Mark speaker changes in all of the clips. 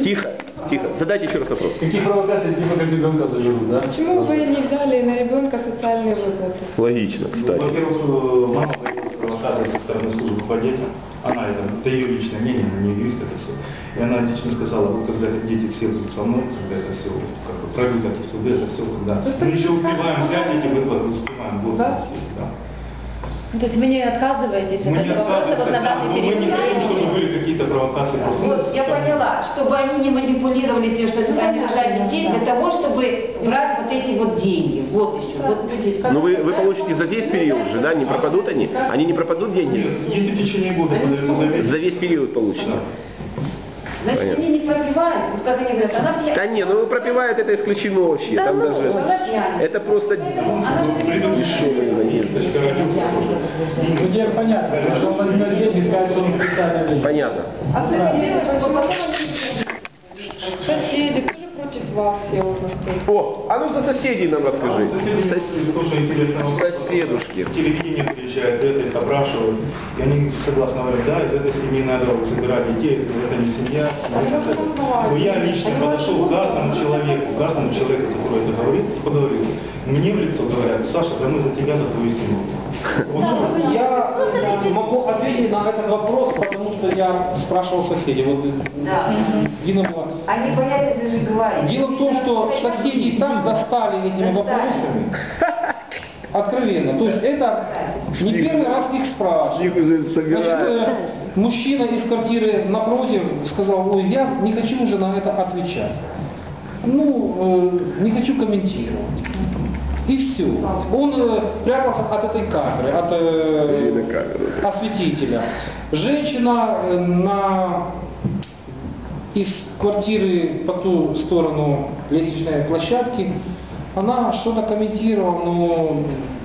Speaker 1: Тихо, тихо. Задайте еще раз вопрос.
Speaker 2: Какие провокации, типа как ребенка заживут, да?
Speaker 3: Почему вы не дали на ребенка социальные выплаты?
Speaker 1: Логично, кстати.
Speaker 2: Во-первых, мама появилась провокация со стороны службы по детям. Она, это ее личное мнение, она не юрист, это все. И она лично сказала, вот когда дети все будут со мной, когда это все как бы пройдут эти суды, это все, когда мы еще успеваем взять эти выплаты, успеваем, вот
Speaker 3: да?
Speaker 2: Да.
Speaker 4: То есть вы не отказываетесь от этого вопроса вот на данный
Speaker 2: мы
Speaker 4: период?
Speaker 2: не хотим, чтобы были какие-то провокации.
Speaker 4: Вот, я поняла, чтобы они не манипулировали тем, что они рожают детей, для того, чтобы брать вот эти вот деньги. Вот еще. Вот люди,
Speaker 1: Ну вы получите за весь период же, да? Не пропадут они? Они не пропадут деньги?
Speaker 2: Нет, если в течение года подается завет.
Speaker 1: За весь период получите.
Speaker 4: значит, они не пропивают, вот как они говорят, она пьяна.
Speaker 1: Да не, ну пропивают это исключено вообще.
Speaker 4: Да
Speaker 1: Там
Speaker 4: ну,
Speaker 1: даже...
Speaker 4: она пьяна.
Speaker 1: Это просто дешевые наезды.
Speaker 2: Ну, теперь понятно, что он возьмет деньги и скажет, что он питает.
Speaker 1: Понятно.
Speaker 4: А кстати, девочка, потом
Speaker 3: Соседи тоже против вас, я вот настолько.
Speaker 1: О, а ну за соседей нам расскажи.
Speaker 2: Тоже интересно.
Speaker 1: Соседушки.
Speaker 2: Телевидение приезжает, это их опрашивают. И они согласно говорят, да, из этой семьи надо забирать детей, это не семья. Но я лично подошел к каждому человеку, который это говорит, поговорил. Мне в лицо говорят, Саша, да мы за тебя, за твою семью. Вот
Speaker 5: Я могу ответить на этот вопрос, потому что я спрашивал соседей. Вот
Speaker 4: да.
Speaker 5: Дина была.
Speaker 4: Они боятся даже говорить.
Speaker 5: Дело в том, что соседи и так достали этими вопросами. Откровенно. То есть это не первый раз их спрашивают. Значит, мужчина из квартиры напротив сказал, ой, я не хочу уже на это отвечать. Ну, не хочу комментировать. И все. Он прятался от этой камеры, от осветителя. Женщина из квартиры по ту сторону лестничной площадки, она что-то комментировала, но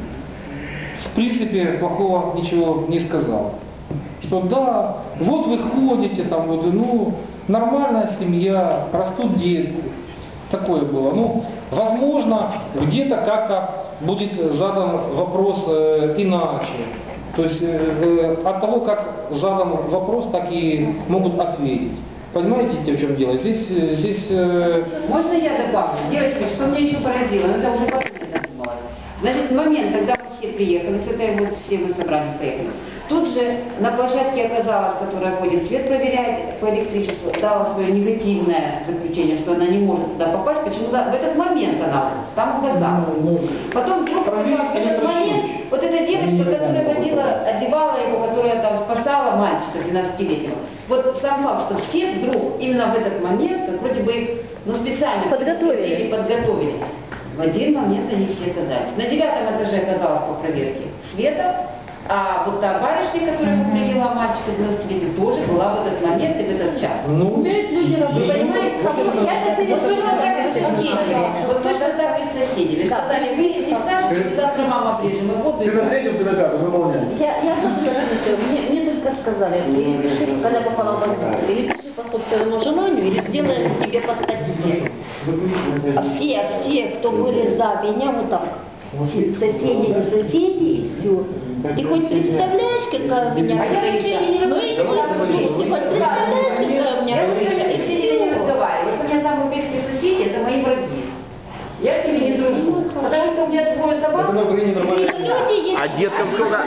Speaker 5: в принципе плохого ничего не сказала. Что да, вот вы ходите, там вот, ну, нормальная семья, растут дети. Такое было. Ну, возможно, где-то как-то будет задан вопрос иначе. То есть от того, как задан вопрос, так и могут ответить. Понимаете, в чем дело? Здесь...
Speaker 4: Можно я добавлю? Девочки, что меня еще поразило, но это уже потом я задумалась. Значит, в момент, когда мы все приехали, с этой вот все мы собрались, поехали, тут же на площадке оказалась, которая ходит свет проверяет по электричеству, дала свое негативное заключение, что она не может туда попасть, почему-то в этот момент она там указала. Потом вдруг в этот момент вот эта девочка, которая одевала его, которая там спасала мальчика 12-летнего, вот сам факт, что все вдруг именно в этот момент, как вроде бы их специально подготовили. В один момент они все оказались. На 9-м этаже оказалось по проверке Света, а вот та барышня, которая привела мальчика 12-летнего, тоже была в этот момент и в этот час.
Speaker 5: Ну,
Speaker 4: умеют люди работать. Вы понимаете, я теперь точно так и с соседями. Вот точно так и с соседями. Сказали, вы не скажете, завтра мама прижим, и воду.
Speaker 2: Ты на третьем, ты на пятом, выполняешь.
Speaker 6: Я мне только сказали, ты пиши, когда попала в больницу, или пиши по собственному желанию, или сделаем тебе по статье. Все, кто были за меня, вот так, соседи, не соседи, и все. Ты хоть представляешь, какая у меня крыша? Ну и ты хоть представляешь, какая у меня крыша?
Speaker 4: Я не разговариваю. Вот у меня самые близкие соседи, это мои враги. Я с ними не дружу. Потому что у меня двое собак.
Speaker 1: А деткам сколько?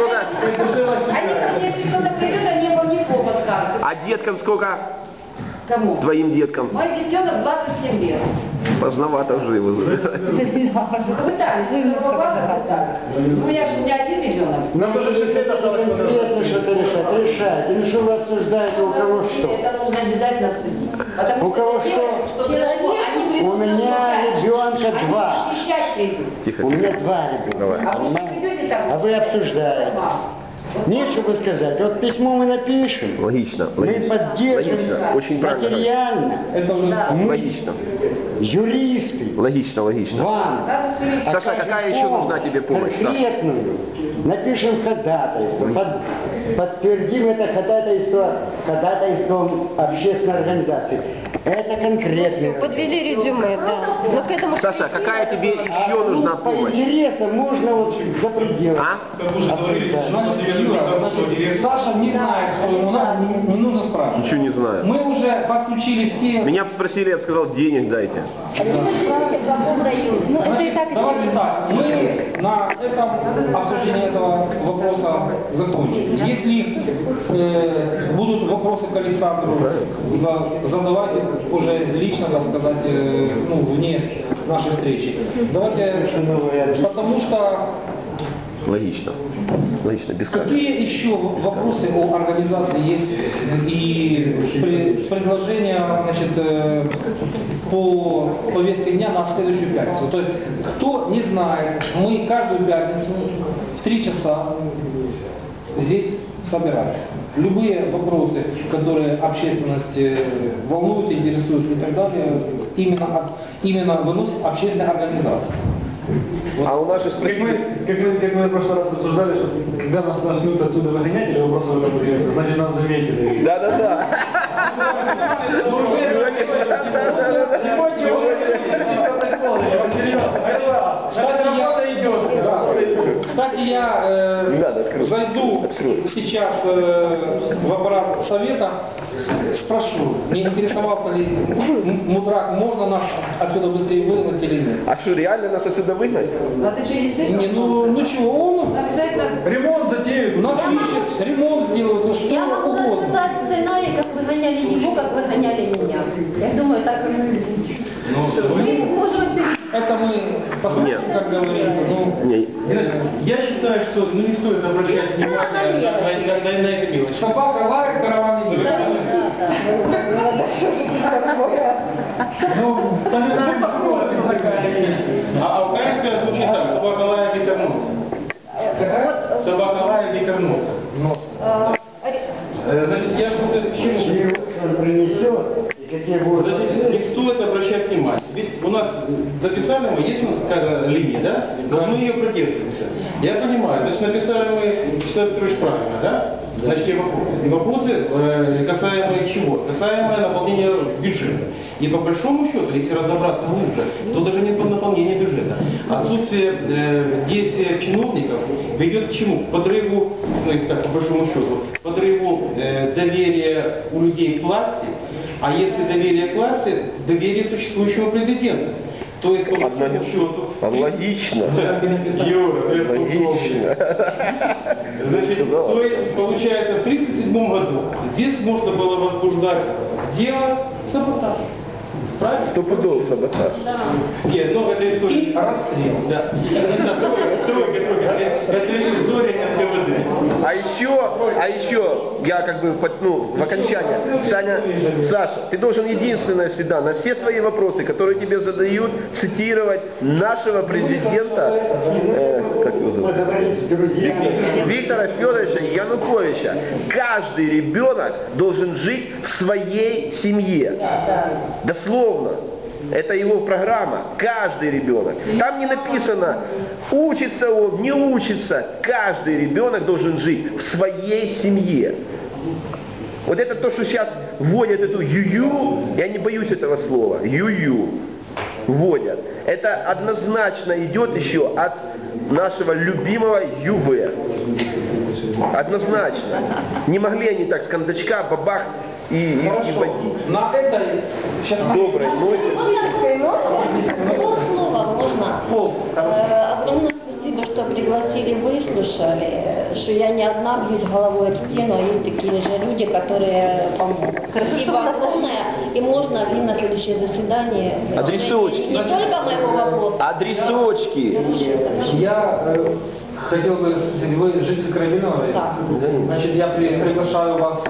Speaker 4: Они ко мне, если кто-то придет, они обо мне повод скажут.
Speaker 1: А деткам сколько?
Speaker 4: Кому?
Speaker 1: Твоим деткам?
Speaker 4: Мой детенок 27 лет.
Speaker 1: Поздновато живо.
Speaker 4: Пытались, с первого класса пытались. Ну я же не один ребенок.
Speaker 2: Нам уже 6 лет осталось.
Speaker 7: Конкретно что-то решать. Или что вы обсуждаете, у кого что?
Speaker 4: Это нужно обязательно обсудить. Потому
Speaker 7: У кого что? У меня ребенка 2.
Speaker 4: Защищать придут.
Speaker 1: Тихо.
Speaker 7: У меня 2 ребенка.
Speaker 4: А вы придете там?
Speaker 7: А вы обсуждаете. Нечего сказать. Вот письмо мы напишем.
Speaker 1: Логично.
Speaker 7: Мы поддержим
Speaker 1: Логично. Очень правильно.
Speaker 7: материально.
Speaker 5: Это уже
Speaker 1: Логично.
Speaker 7: Юристы.
Speaker 1: Логично, логично.
Speaker 7: Вам.
Speaker 1: Саша, какая еще нужна тебе помощь? Саша?
Speaker 7: Конкретную. Напишем ходатайство. Подтвердим это ходатайством общественной организации. Это конкретно.
Speaker 6: Подвели резюме, да. Но к этому...
Speaker 1: Саша, какая тебе еще нужна
Speaker 7: По
Speaker 1: помощь?
Speaker 7: интересам можно вот за пределы.
Speaker 1: А?
Speaker 2: Как уже говорили,
Speaker 5: Значит, Юра, Саша не знает, что ему надо, не нужно спрашивать.
Speaker 1: Ничего не знаю.
Speaker 5: Мы уже подключили все...
Speaker 1: Меня спросили, я сказал, денег дайте.
Speaker 6: А вы знаете, в каком районе? Ну, это и
Speaker 5: Значит,
Speaker 6: так
Speaker 5: давайте так, мы на этом обсуждение этого вопроса закончим. Если будут вопросы к Александру, задавайте уже лично, так сказать, ну, вне нашей встречи. Давайте, потому что
Speaker 1: Логично. Логично, без камеры.
Speaker 5: какие еще вопросы о организации есть и предложения, значит, по повестке дня на следующую пятницу? То есть, кто не знает, мы каждую пятницу в 3 часа здесь собираемся. Любые вопросы, которые общественность волнуют, интересуют и так далее, именно выносит общественная организация.
Speaker 1: А у нас же
Speaker 2: Как
Speaker 1: спросили...
Speaker 2: мы в прошлый раз обсуждали, что когда нас начнут отсюда выгонять, или вопрос уже появился, значит нас заметили.
Speaker 1: Да-да-да.
Speaker 5: Кстати, я зайду сейчас в аппарат совета, спрошу, не интересовался ли Мудрак, можно нас отсюда быстрее выгнать или нет.
Speaker 1: А что, реально нас отсюда выгнать?
Speaker 4: А ты что, не слышал?
Speaker 5: Не, ну чего, он
Speaker 4: Обязательно.
Speaker 2: Ремонт затеют.
Speaker 5: напишет, ремонт сделает, ну что
Speaker 6: Я могу
Speaker 5: угодно.
Speaker 6: рассказать сценарий, как выгоняли его, как выгоняли меня. Я думаю, так и мы можем
Speaker 5: Это мы посмотрим,
Speaker 1: Нет.
Speaker 5: как говорится. Ну,
Speaker 1: Не.
Speaker 2: Я считаю, что не стоит обращать внимание на это мелочь.
Speaker 5: собака лает, караван идет.
Speaker 2: Ну, там а украинская звучит так: собака лая, ветер нос. Собака лая, ветер нос. Значит, я буду к чему?
Speaker 7: Чего он принесет, и какие будут...
Speaker 2: Значит, не стоит обращать внимание. Ведь у нас написали мы, есть у нас какая-то линия, да? Вот мы ее придерживаемся. Я понимаю, значит, написали мы, Вячеслав Петрович, правильно, да? Значит, те вопросы. И вопросы, касаемые чего? Касаемые наполнения бюджета. И по большому счету, если разобраться глубже, то даже нет наполнения бюджета. Отсутствие действия чиновников ведет к чему? К подрыву, ну, если так, по большому счету, подрыву доверия у людей к власти, а если доверие к власти, доверие к существующему президенту. То есть, по большому счету...
Speaker 1: Логично.
Speaker 2: Юра, это
Speaker 1: Логично.
Speaker 2: Значит, то есть, получается, в 1937 году здесь можно было возбуждать дело саботажа. Правильно?
Speaker 1: Стопудово саботаж.
Speaker 2: Нет, ну это история.
Speaker 5: И расстрел.
Speaker 2: Да. Тройка. Это история не НКВД.
Speaker 1: А еще, я как бы, ну, в окончание, Саша, ты должен единственное всегда на все свои вопросы, которые тебе задают, цитировать нашего президента, как его зовут? Виктора Федоровича Януковича. Каждый ребенок должен жить в своей семье. Дословно. Это его программа. Каждый ребенок. Там не написано, учится он, не учится. Каждый ребенок должен жить в своей семье. Вот это то, что сейчас вводят эту ю-ю, я не боюсь этого слова, ю-ю, вводят. Это однозначно идет еще от нашего любимого ЮВ. Однозначно. Не могли они так с кондачка, бабах и
Speaker 5: Хорошо.
Speaker 1: водить.
Speaker 5: На этой сейчас
Speaker 1: Доброй ноте.
Speaker 6: Полслова можно?
Speaker 5: Пол.
Speaker 6: Огромное спасибо, что пригласили, выслушали, что я не одна бьюсь головой об стену, а есть такие же люди, которые помогут. Спасибо огромное, и можно ли на следующее заседание...
Speaker 1: Адресочки.
Speaker 6: Не только моего вопроса.
Speaker 1: Адресочки.
Speaker 5: Я хотел бы, вы житель Карабинова,
Speaker 6: Да.
Speaker 5: значит, я приглашаю вас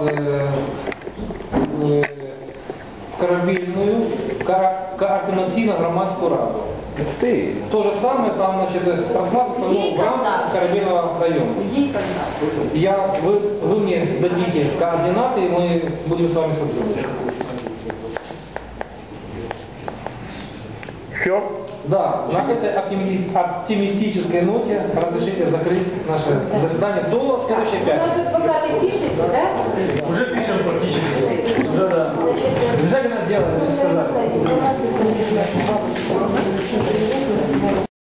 Speaker 5: в Корабельную координаційно-громадську раду.
Speaker 1: Ты.
Speaker 5: То же самое там, значит, рассматривается в рамках Корабельного района.
Speaker 6: Где и когда?
Speaker 5: Вы мне дадите координаты, и мы будем с вами сотрудничать.
Speaker 1: Все?
Speaker 5: Да, на этой оптимистической ноте разрешите закрыть наше заседание до следующей
Speaker 4: У
Speaker 5: пятницы.
Speaker 4: нас адвокаты пишете, да?
Speaker 5: Уже пишем практически. Да. Обязательно сделаем, все сказали.